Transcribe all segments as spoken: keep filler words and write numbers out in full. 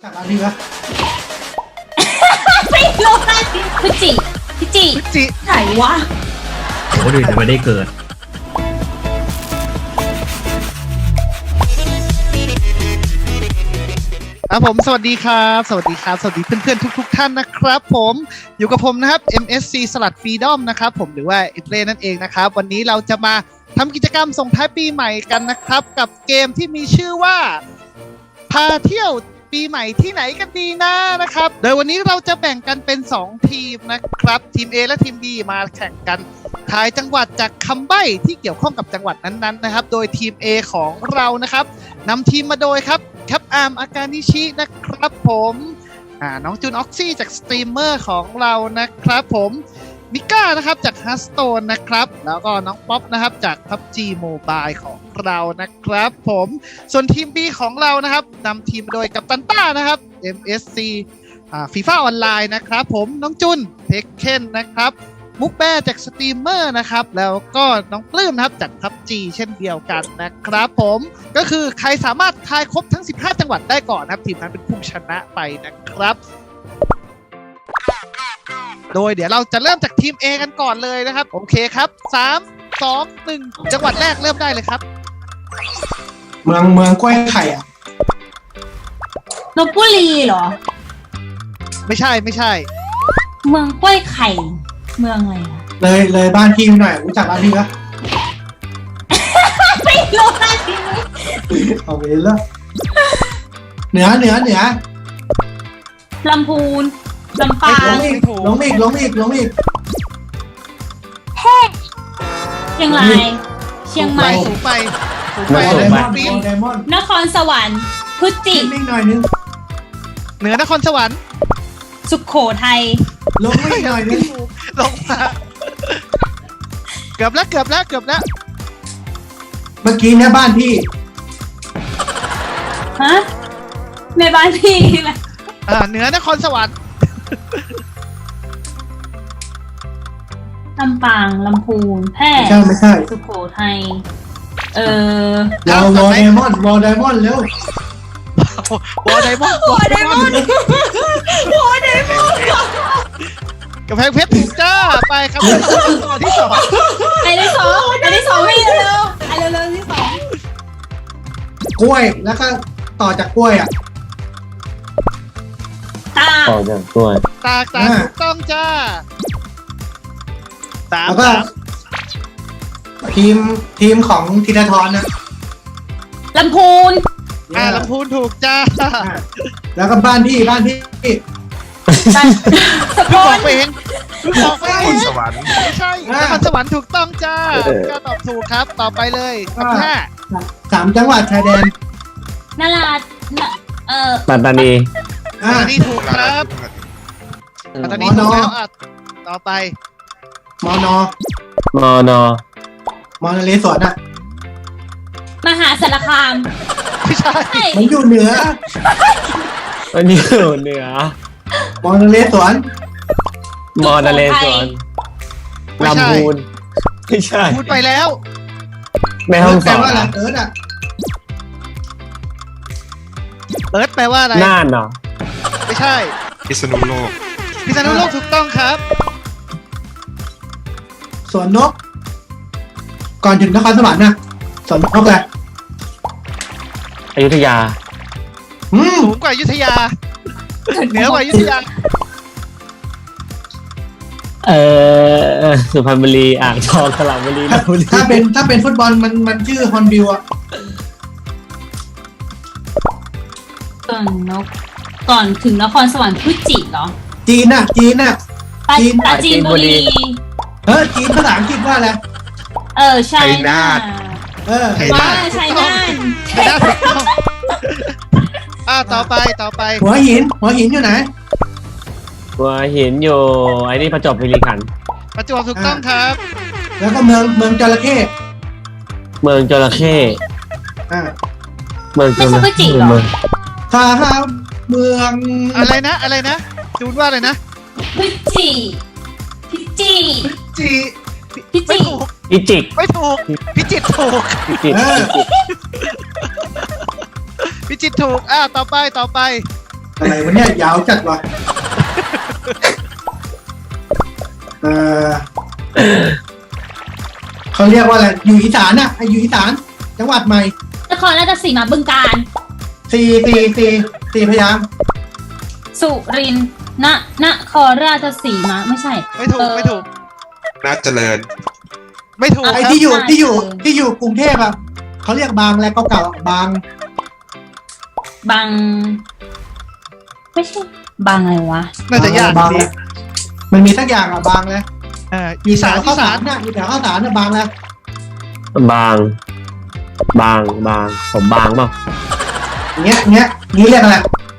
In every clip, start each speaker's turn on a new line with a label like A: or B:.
A: จากร้านนี้ปะ
B: ไม่รู้นะพิจิพิจิ
A: พิจิ
B: ไหนวะ
C: คนอื่นยังไม่ได้เกิด
A: ครับผมสวัสดีครับสวัสดีครับสวัสดีเพื่อนๆทุกๆท่านนะครับผมอยู่กับผมนะครับ เอ็ม เอส ซี สลัดฟรีดอมนะครับผมหรือว่าเอเล่นั่นเองนะครับวันนี้เราจะมาทำกิจกรรมส่งท้ายปีใหม่กันนะครับกับเกมที่มีชื่อว่าพาเที่ยวปีใหม่ที่ไหนกันดีนะนะครับโดยวันนี้เราจะแบ่งกันเป็นสองทีมนะครับทีม A และทีม B มาแข่งกันทายจังหวัดจากคำใบ้ที่เกี่ยวข้องกับจังหวัดนั้นๆนะครับโดยทีม A ของเรานะครับนำทีมมาโดยครับแคปอาร์มอากานิชินะครับผมอ่าน้องจูนออกซี่จากสตรีมเมอร์ของเรานะครับผมมิก้านะครับจากฮัสโตนนะครับแล้วก็น้องป๊อปนะครับจาก พับจี Mobile ของเรานะครับผมส่วนทีม B ของเรานะครับนำทีมโดยกัปตันต้านะครับ เอ็ม เอส ซีอ่าฟีฟ่าออนไลน์นะครับผมน้องจุนเทคเคนนะครับมุกแบร์จากสตรีมเมอร์นะครับแล้วก็น้องปลื้มนะครับจาก พับจี เช่นเดียวกันนะครับผมก็คือใครสามารถทายครบทั้งสิบห้าจังหวัดได้ก่อนนะครับทีมนั้นเป็นผู้ชนะไปนะครับโดยเดี๋ยวเราจะเริ่มจากทีม A กันก่อนเลยนะครับโอเคครับสาม สอง หนึ่งจังหวัดแรกเริ่มได้เลยครับ
D: เมืองเมืองกล้วยไข่อ่ะ
B: ลพบุรีเหรอ
A: ไม่ใช่ไม่ใช่
B: เมืองกล้วยไข่ เมืองอะไรอะ
D: เลยเลยบ้านพี่หน่อยรู้จักบ้านพี่ปะ
B: ไม่รู้นะทีนี้
D: เอาไปเลยละเหนือเหนือเหนือ
B: ลำพูนลำปา
D: ล
B: ง
D: งอีกลงอีกลงอีกลงอีก
B: เชียงรายเชียงใหม่
A: สูงไปสูงไป
D: ได
A: เลย
D: มอนด์
A: ปีน
D: ไดมอนด์
B: นครสวรรค์พุจิ
D: นิดหน่อยนึง
A: เหนือนครสวรรค์
B: สุโขทัย
D: ลงอีกหน่อยนึง
A: ลงมาเกือบแล้วเกือบแล้วเกือบแล้ว
D: เมื่อกี้เนี่ยบ้านพี่
B: ฮะในบ้านพี่แหละ
A: อ่าเหนือนครสวรรค์
B: ลำปางลำพูนแพร่
D: ไม่ใช่ไม่ใช่
B: สุโขทัยเออ
D: วอลวอลไดมอนด์วอลไดมอนด์เร็ว
A: วอลไดมอนด์
B: โอ้ไดมอนด์โอ้ไดมอนด์
A: กำแพงเพชรถูกจ้าไปครับต่อที่สอง
B: ไอ้ที่สองไอ้ที่สองไม่เร็วไอ้เร็วๆที่สอง
D: กล้วยแล้วก็ต่อจากกล้วยอ่ะ
B: ตา
E: ต่อจากกล้วย
A: ตากตากถูกต้องจ้าสาม
D: แล้วก็
A: สาม
D: ทีมทีมของธีรทรนะ
B: ลำพูน
A: อ่าลำพูนถูกจ้า
D: อ่ะแล้วก็บ้านพี่บ้านพี่
B: สก
A: เพิ่งบ
B: ล
A: อกไปเองเพิ่งบอกไปเอง
F: สวรรค์
A: ไม่ใช่นครสวรรค์ถูกต้องจ้าก็ตอบถูกครับต่อไปเลยคำที่ห้า
D: สามจังหวัดชายแดน
B: นาราเอ่อ
E: ปัตตานี
D: อ่า
A: อันนี้ถูกครับปัตตานี
D: มอนอ
A: ถูกแล้วอ่ะต่อไป
D: มอนอ
E: มอนอ
D: มอนเลสวนอ่ะ
B: มหาสารคาม
A: ไม่ใช่
B: ใช่
D: มันอยู่เหนือ
E: อันนี้อยู่เหนือ
D: มอนเลสวน
E: มอนเลสวน
A: ไม่ใช่
E: ลำพูนไม่ใช่
A: พูดไปแล้ว
E: แม่ห้องส
D: แปล
E: อน
D: ว่าอะไร
E: อะ
D: เอิร์ธอ่ะ
A: เอิร์ธแปลว่าอะไร
E: น่านเหรอ
A: ไม่ใช่
F: พิษณุโลก
A: พิษณุโลกถูกต้องครับ
D: สวนนก ก่อนถึงนครสวรรค์นะสวนนกแหละ
E: อยุธยา
D: อืม
A: สูงกว่าอยุธยา เหนือกว่าอยุธยา
E: เออสุพรรณบุรีอ่างทองสระบุรีล
D: ถ้า
E: พบุรี
D: ถ้าเป็นถ้าเป็นฟุตบอลมันมันชื่อฮอนบิวอ่ะ
B: ก่อนนกก่อนถึงนครสวรรค์พุจิเหรอ
D: จีนน่ะ จีนน่ะ
B: ปรา
D: จีน
B: ปราจีนบุรี
D: เออจีนภาษาอังกฤษว่าอะไร
B: เออใช่
F: ชัยนาท
D: เออ
F: ไทย
B: ว่าชัยนาท
A: ไม่ได้ถูกต้องอ่าต่อไปต่อไป
D: หัวหิน หัวหินอยู่ไหน
E: หัวหินอยู่ไอ้นี่ประจวบคีรีขันธ์
A: ประจวบถูกต้องครับ
D: แล้วก็เมืองเมืองจระเข้
E: เมืองจระเข้
D: อ่า
E: เมืองจระเข้เมือง
D: ถ้าเมือง
A: อะไรนะอะไรนะจูนว่าอะไรนะ
B: พุจิพิจิ
A: จี
B: พิ
A: ไม่
B: จิ
A: ถูก
E: พิจิก
A: ไม่ถูกพิจิตรถูก
E: พิจิตร
D: เออ
A: พิจิตรถูกอ่าต่อไปต่อไป
D: อะไรวะเนี่ยยาวจัดวะเออเขาเรียกว่าอะไรอยู่อีสานอะอยู่อีสานจังหวัดใหม่
B: นครราชสีมาบึงกาฬ
D: สี่สี่สี่สี่พยางค์
B: สุรินทร์นนครราชสีมาไม่ใช่
A: ไม่ถูกไม่ถูก
F: น่าเจริญ
A: ไม่ถูก
D: ไอ้
A: ครับ
D: ที่อยู่
B: ใช่
D: ที่อยู่
B: เออ
D: ที่อยู่กรุงเทพอะเขาเรียกบางและเก่าๆบาง
B: บางไม่ใช่บางอะไรวะ
A: น่าจะยาก
D: บาง
A: ดี
D: มันมีสักอย่างอะบางเลย
A: เอ่อ
D: มี
A: อี
D: แถ
A: สาน
D: ว
A: อี
D: ข้าวสา
A: สาร น
D: น่ะมีแถวข้าวสารน่ะบางแล้ว
E: บาง บางบางผมบางเปล่า
D: เงี้ยเงี้ยนี่เรียกอะไร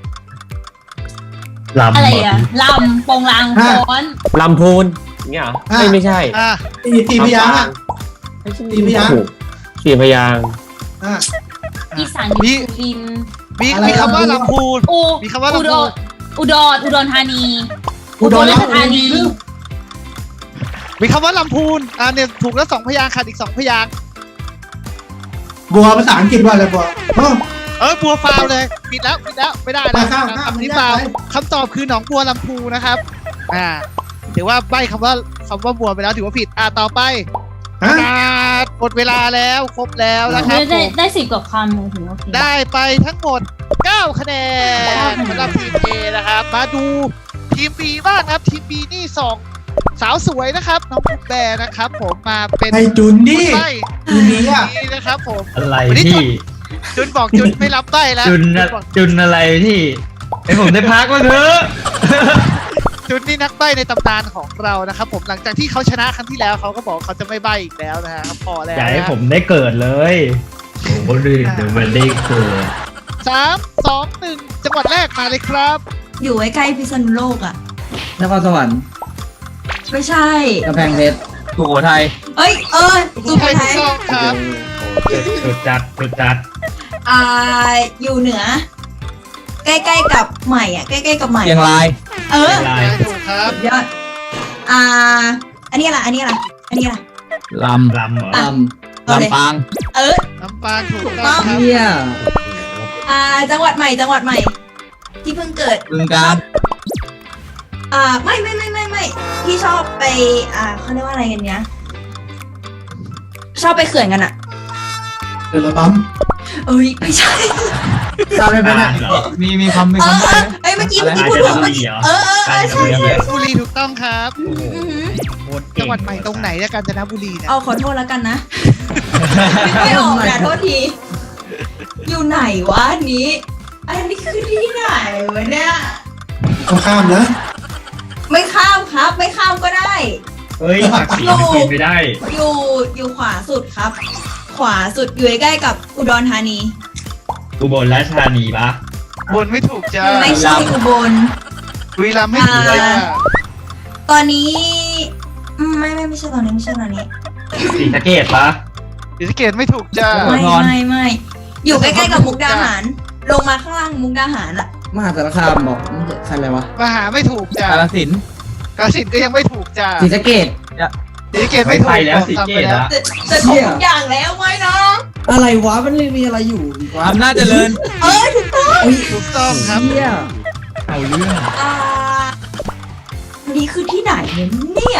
C: ลำ
B: อะไร
C: เหร
B: อะลำโปงลาง
D: ฮะ
B: ฟ้อน
E: ลำพูนอย่างเงี้ยเหรอ
D: อ่ะ
E: ไม่ไม่ใช่
A: อ่ะ
D: สี่สี่พยางค์อะ สี่พยางค์
E: ถูกสี่พยางค์
D: อ่ะ
B: อีสานอยู่สุรินทร์
A: มี
D: อะไร
A: มีคำว่า
D: อะไร
A: ลำพูน
B: อุ
A: มีคำว่า
B: อุ
A: ลำ
B: ด
A: พู
B: ร
A: น
B: อุดรอุดรธานี
D: อุดร
B: ราชธานี
A: มีคำว่าลำพูนอ่าเนี่ยถูกแล้วสองพยางค์ขาดอีกสองพยางค์
D: บัวภาษาอังกฤษว่าอะไรบัวโอ้
A: เออบัวฟาวเลยปิดแล้วปิดแล้วไม่ได้นะ
D: ข้ามข้าม
A: คำนี้
D: ไม่ได้
A: ฟาว
D: ไป
A: คำตอบคือหนองบัวลำพูนะครับอ่าถือว่าใบคำว่าคำว่าบัวไปแล้วถือว่าผิดอ่าต่อไป
D: ฮะ
A: ขาดหมดเวลาแล้วครบแล้วนะครับผ
B: ได้ได้
A: ม
B: ได้สิบกว่าคำเลยถือว่าโอเค
A: ได้ไปทั้งหมดเก้าคะแนนสำหรับทีม A นะครับ มาดูทีม B บ้างครับ ทีม B นี่สองสาวสวยนะครับ น้องปุ๊กแบร์นะครับ ผมมาเป็น
D: ไอจุนดิ
A: ใบ้
D: จุนนี้อะ
A: นี้นะครับผม
C: อะไร
A: วันนี้
C: ที่
A: จุนบอกจุนไม่รับใบ้แล้ว
C: จุน
A: จุ
C: อะ
A: นบอก
C: จุนอะไรที่ไอผมได้พักบ้างเถอะ
A: จุนนี่นักใบ้ในตำนานของเรานะครับ ผมหลังจากที่เขาชนะครั้งที่แล้วเขาก็บอกเขาจะไม่ใบ้อีกแล้วนะฮะพอแล้ว
C: อย่าให้
A: นะ
C: ผมได้เกิดเลยโอ้โหดูเดี๋ยวมันได้เกิด
A: สามสองหนึ่งจังหวัดแรกมาเลยครับ
G: อยู่ใกล้ๆพิษณุโลกอ่ะ
H: นครสวรรค์
G: ไม่ใช่
H: กำแพงเพชรสุโขทัย
G: เอ้ย เออสุโข
A: ใช่ถู
G: ทั
A: ก
G: ย
A: ต้องครับ
C: จุดจัดจุดจัด
G: อ่า อยู่เหนือ ใกล้ๆกับใหม่อ่ะ ใกล้ๆกับใหม่
H: เชียงราย
G: เออ
C: ลาย
A: ถูกครับ
G: สุดยอด อ่า อันนี้อะไร อันนี้อะไร อันนี้อะไร
H: ลำ
C: ลำเหรอ
H: ล
G: เอา
H: ำ
G: เลย
H: ลำปาง
G: เออ
A: น้ำปางถูก
G: ถูก
A: ต้
G: ต้
A: อ
G: อง ง
A: ครับ
H: เฮีย
G: อ่า จังหวัดใหม่ จังหวัดใหม่ ที่เพิ่งเกิด
H: บึงการ
G: อ่า ไม่ไม่ไม่ไม่ไม่ที่ชอบไป อ่าเขาเรียกว่าอะไรกันเนี้ย ชอบไปเขื่อนกันอ่ะ
D: เดือดร้อน
G: เอ้ย ไม่ใช่
H: ทราบได้ไหมเนี่ย
C: เหรอ
H: มีมีคำมี
G: เออ
H: คำ
G: เอ
H: ใบ้
G: อเอ้ย เมื่อกี้
H: อะไร
G: เมื่อกี้พูด
C: อาจจะ
G: ถูกเมื่อกี้
C: เหรอ
G: เออเออเออใช่ใช่
A: บุรีถูกต้องครับ
G: อือหือ
C: โคตรเก่
A: จังหวัดใหม่ตรงไหนเนี่ยกาญจนบุรีเนี่ย
G: เอาขอโทษแล้วกันนะ ไม่ออกนะโทษที อยู่ไหนวะอันนี้ อันนี้คือที่ไหนวะเนี่ย
D: ต้องข้ามนะ
G: ไม่ข้ามครับ ไม่ข้ามก็ได้
C: เฮ้ยผักสีมันกินไม่ได้
G: อยู่อยู่ขวาสุดครับ ขวาสุดอยู่ใกล้ๆกับอุดรธานี
C: อุบลราชธานีปะ
A: บนไม่ถูกจ้า
G: ไม่ใช่อุบล
A: บุรีรัมย์ไม่ถูกจ้า
G: อ่า ตอนนี้อืมไม่ไม่ไม่ใช่ตอนนี้ไม่ใช่ตอนนี้
C: ศรีสะเกดปะ
A: ศรีสะเกดไม่ถูกจ้า
G: ไม่ไม่ไม่อยู่ใกล้ๆกับมุกดาหาร ลงมาข้างล่างมุกดาหารอะ
H: มหาสารคามบอกไม่ใช่ใครอะไรวะ
A: มหาไม่ถูกจ้าก
H: าฬสินธุ์
A: กาฬสินธุ์ก็ยังไม่ถูกจ้า
H: ศรีสะเกษ
A: ศรีสะเกดไม่ถูก
C: ไปแล้วศรีสะเกด
A: แล้
C: ละ
G: จะจะถูกทุกอย่างแล้วไหมเนาะ
H: อะไรวะมันเลยมีอะไรอยู่อีกวะอำนาจเจริญ
G: เออถูกต้อง
A: ถูกต้องครับ
H: เฮีย
C: เอาเรื่อง
G: อ่านี่คือที่ไหนเนี่ย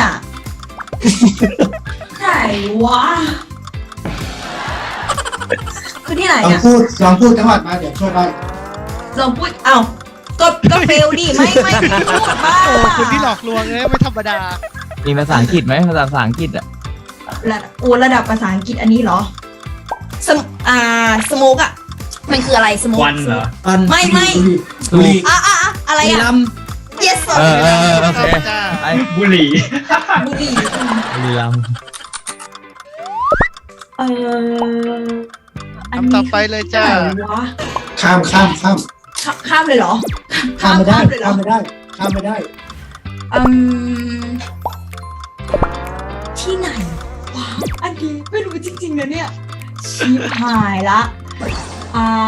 G: ไหนวะคือที่ไหน
D: ลอง
G: เนี่ย
D: พูดลองพูดจังหวัดมาเดี๋ยวช่วยไป
G: ลองพูดเอ้าก็ก็เฟลดิไม่ไม่พูดบ้า
A: โอ้คุณที่หลอกลวงเลยไม่ธรรมดา
H: มีภาษาอังกฤษไหมภาษาภาษาอังกฤษอ่ะ
G: ระดับโอ้ระดับภาษาอังกฤษอันนี้เหรอสมอ่าสโมกอ่ะมันคืออะไรสโมก
C: วันเหรอ
H: ปัน
G: ไม่ไม่
D: บุรี
G: อ่ะอ่ะอ่ะอะไร
H: บุรี
G: อ่ะ
H: รัมย์
G: yes
H: เออเออเออโอเค
A: จ้า
H: ไอ
C: บุหรี่
G: บุหรี่
H: บุรีรัมย์
G: เอออัน
A: คำ
G: นี้
A: ต่อไปเลยจ้า
G: ที่ไหนวะ
D: ข้ามข้ามข้าม
G: ข้าข้ามเลยเหรอ
D: ข้ามไม่ได้
G: เลยเหร
D: ข้า
G: อ
D: มไม่ได้ข้ามไม่ได้
G: อืมที่ไหนวะอันนี้ไม่รู้จริงๆนะเนี่ยชิบหายละอ่า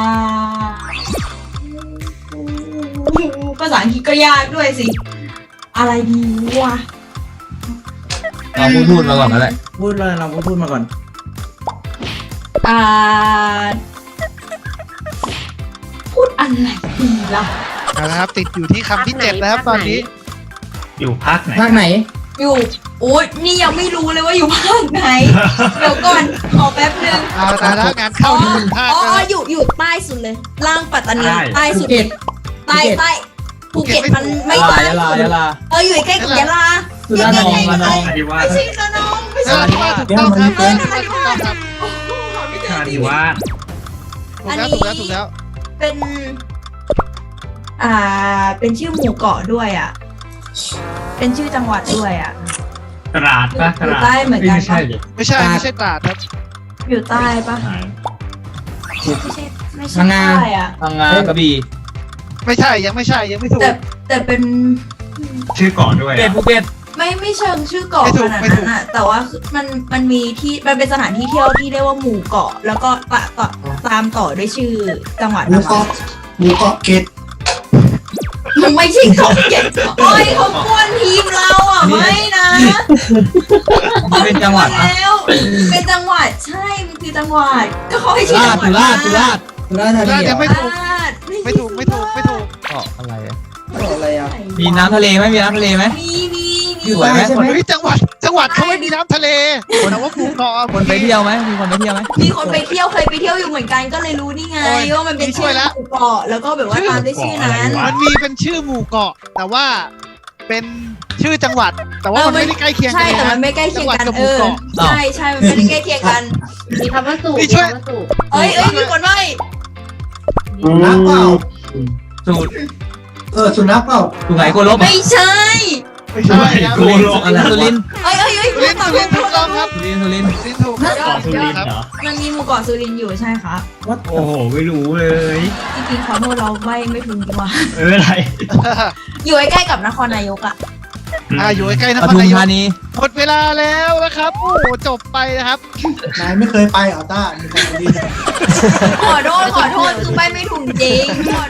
G: ภาษาอังกฤษก็ยากด้วยสิ อะไรดีวะ
H: เราพูดพูดมาก่อนก็ได้พูดเลยเราพูดพูดมาก่อน
G: อ่า พูดอะไรดีล่ะ
A: เอาละครับติดอยู่ที่คำที่เจ็ดแล้วครับตอนนี้
C: อยู่ภาคไหน
D: ภาคไหน
G: อยู่โอ้ยนี่ยังไม่รู้เลยว่าอยู่ภาคไหน เดี๋ยวก่อนขอแป๊บนึง
A: เอาละแล้วงานเข้าที่หนึ่งภาค
G: อ๋อ
A: แล้ว
G: อ๋อ
A: นะ
G: อยู่อยู่ใต้สุดเลย ล่างปัตตานี
C: ใต้
G: ใต้สุด
D: ภูเก็ต
G: ใต้ใต้ภูเก็ตมันไม่
H: ยะลา
G: ใต้
H: ยะลา
G: สุด
H: ยะลา
G: เอออยู่ใกล้กับยะลา
H: สุราษฎร์ธานี
G: ใกล้ๆ
H: ระนอง
C: อาดิวาส
G: ไม่ใช่ระนองไม่
A: เอ
G: ใช่
A: อที่ว่าถูกต้องครับเออที่ว่าถูกต้องครับ
G: โอ้โหไม่เจอ
C: อา
G: จริ
C: ดิ
G: ง
C: วาส
A: ถูกแล้วถูกแล้วถูกแล้ว
G: เป็น อ่า เป็นชื่อหมู่เกาะด้วยอ่ะ เป็นชื่อจังหวัดด้วยอ่ะ
C: ตราดปะต
G: อยู่
C: ราด
G: ใต้เหมือนกัน
C: ไม่ใช่ดิ
A: ไม่ใช่ไม่ใช่ตราดครับ
G: อยู่ใต้ปะ
C: หาย
G: ไม่ใช่ไม่ใช่
H: พังงา
G: ใต้อ่ะ
H: พังงากระบี่
A: ไม่ใช่ยังไม่ใช่ยังไม่ถูก
G: แต่แต่เป็น
C: ชื่อเกาะด้วย
H: เก็ต
C: อะ
H: ภูเก็ต
G: ไม่ไม่เชิงชื่อเกาะ
A: ไม่ถู
G: ข
A: ก
G: นาด
A: ไม่ถู
G: นั้
A: ก
G: นอ่ะ แต่ว่าคือมันมันมีที่มันเป็นสถานที่เที่ยวที่เรียกว่าหมู่เกาะ แล้วก็ตะต่อตามต่อด้วยชื่อจังหวัด
D: หมู
G: นะ
D: เกาะหมูเกาะเกต
G: มันไม่ใช่เกาะเก็บโอ้ยเขากวนทีมเราอ่ะไม่นะ
H: นี่เป็นจังหวัดปะ
G: แล้วเป็นจังหวัดใช่มันคือจังหวัดก็เขาให้
H: สุ
G: ชื่อ
H: รา
G: จั
H: ษ
G: ง
H: ฎ
G: หวั
H: ร์
G: ด
H: สุราษฎร์สุราษฎร์
D: สุราษฎร์ธานี
A: สุราษฎร์
D: เหร
A: ยั
D: อง
A: ไม่ถูก
G: ไม่
A: ไม่ถูกไม่ถูกไม่ถูก
H: เกาะอะไรอะ
D: เกาะอะไรอ่ะ
H: มีน้ำทะเลไหมมีน้ำทะเลไหม
G: มีมี
D: อ
G: มี
D: ยู่ใต้ใช่ไหม
A: เฮ้ยจังหวัดจังหวัดเขาไม่มีน้ำทะเลแต่ว่าภูเกาะ
H: คนไปเที่ยวไหมมีคนไปเที่ยวไหม
G: มีคนไปเที่ยวเคยไปเที่ยวอยู่เหมือนกันก็เลยรู้นี่ไง
A: โอ้ย
G: ว่ามันเป็น
A: ช่
G: ชื่
A: วย
G: อ
A: ละ
G: หมู่เกาะแล้วก็แบบว่าตามด้วยชื่อนั้น
A: มันมีเป็นชื่อหมู่เกาะ แต่ว่าเป็นชื่อจังหวัด แต่ว่า
G: เออ
A: มันไม่ได้ใกล้เคียงกั
G: ใช่
A: นเลย
G: แต่มั
A: นะ
G: นไม่ใกล้เคียงกัน
A: จังหวัดกับห
G: เอ
A: มู่
G: อ
A: เกาะ
G: ใช่ใช่มันไม่ได้ใกล้เคียงกัน
B: มีคำว่าสูบ
A: นี่
B: มี
A: ช่วย
B: คำว่าสูบ
G: เอ้ยเอ้ยมีคนว่า
D: สุนัขเปล่า
H: สูตร
D: เออสุนัขเปล่า
H: สุไหงโกลบ
G: ไม่ใช่
A: ไม่ใช่ครับ
C: โกโล
H: อะไรสุรินทร์
G: เอ้ยเอ้ยเอ้ย
A: สุรินทร์สุรินทร์ถูกต้องครับ
H: สุรินทร์สุรินทร์
A: สุรินทร์ถูกครับ
C: เกาะสุรินทร์เหรอ
G: มันมีหมู่เกาะสุรินทร์อยู่ใช่ครับ
D: วัด
C: โอ้โห ไม่รู้เลย
G: จริงๆขอโทษเราไม่ไม่ถึงดีกว่า
C: ไม่เป็นไร
G: อยู่ใกล้ๆกับนครนายกอ่ะ
A: อ่าอยู่ใกล้ๆน
H: ป
A: คร
H: ทุม
A: นายก
H: ธานี
A: หมดเวลาแล้วนะครับโอ้โหจบไปนะครับ
D: นายไม่เคยไปเหรอต้ามีคนดี
G: ขอโทษขอโทษคือไปไม่ถูกจริง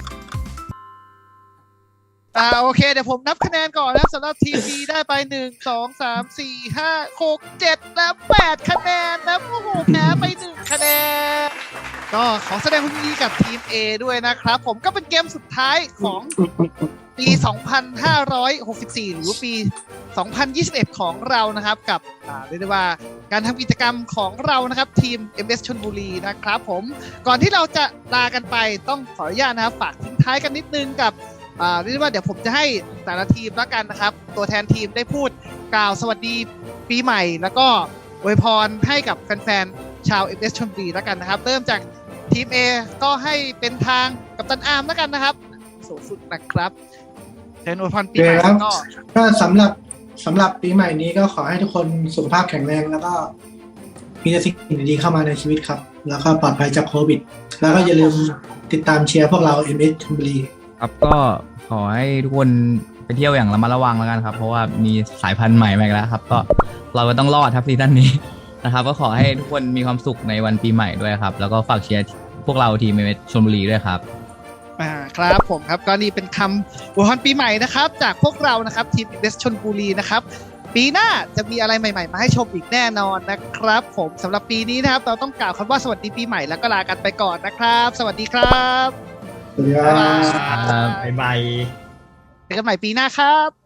A: อ่าโอเคเดี๋ยวผมนับคะแนนก่อนนะครับสำหรับทีม B ได้ไปหนึ่งสองสามสี่ห้าหกเจ็ดและแปดคะแนนนะโอ้โหแพ้ไปหนึ่งคะแนนก็ขอแสดงความยินดีกับทีม A ด้วยนะครับ ผมก็เป็นเกมสุดท้ายของปี สองพันห้าร้อยหกสิบสี่ หรือปี สองพันยี่สิบเอ็ด ของเรานะครับกับอ่าเรียกได้ว่าการทำกิจกรรมของเรานะครับทีม เอ็ม เอส ชลบุรีนะครับผมก่อนที่เราจะลากันไปต้องขออนุญาตนะครับฝากทิ้งท้ายกันนิดนึงกับ อ่าเรียกได้ว่าเดี๋ยวผมจะให้แต่ละทีมแล้วกันนะครับ ตัวแทนทีมได้พูดกล่าวสวัสดีปีใหม่ แล้วก็อวยพรให้กับแฟนๆชาว เอ็ม เอส ชลบุรีแล้วกันนะครับ เริ่มจากทีม A ก็ให้เป็นทางกัปตันอาร์มแล้วกันนะครับสูงสุดนะครับเชิญอวยพรปีใหม่แล้วก็
D: ก็สำหรับสำหรับปีใหม่นี้ก็ขอให้ทุกคนสุขภาพแข็งแรงแล้วก็มีแต่สิ่งดีๆเข้ามาในชีวิตครับ แล้วก็ปลอดภัยจากโควิด แล้วก็อย่าลืมติดตามเชียร์พวกเรา เอ็ม เอส ชลบุรี
H: ครับก็ขอให้ทุกคนไปเที่ยวอย่างระมัดระวังแล้วกันครับ เพราะว่ามีสายพันธุ์ใหม่มาอีกแล้วครับ ก็เราก็ต้องรอดครับซีซั่นนี้ นะครับ ก็ขอให้ทุกคนมีความสุขในวันปีใหม่ด้วยครับ แล้วก็ฝากเชียร์พวกเราทีมเอเมชลบุรีด้วยครับ
A: อ่าครับผมครับก็นี่เป็นคำอวยพรปีใหม่นะครับ จากพวกเรานะครับทีมเอสชลบุรีนะครับปีหน้าจะมีอะไรใหม่ๆมาให้ชมอีกแน่นอนนะครับ ผมสำหรับปีนี้นะครับเราต้องกล่าวคำว่าสวัสดีปีใหม่แล้วก็ลากันไปก่อนนะครับ สวัสดีครับ
D: สวัสดีครับ
A: บ๊ายบาย
C: บ๊ายบาย
A: เจอกันใหม่ปีหน้าครับ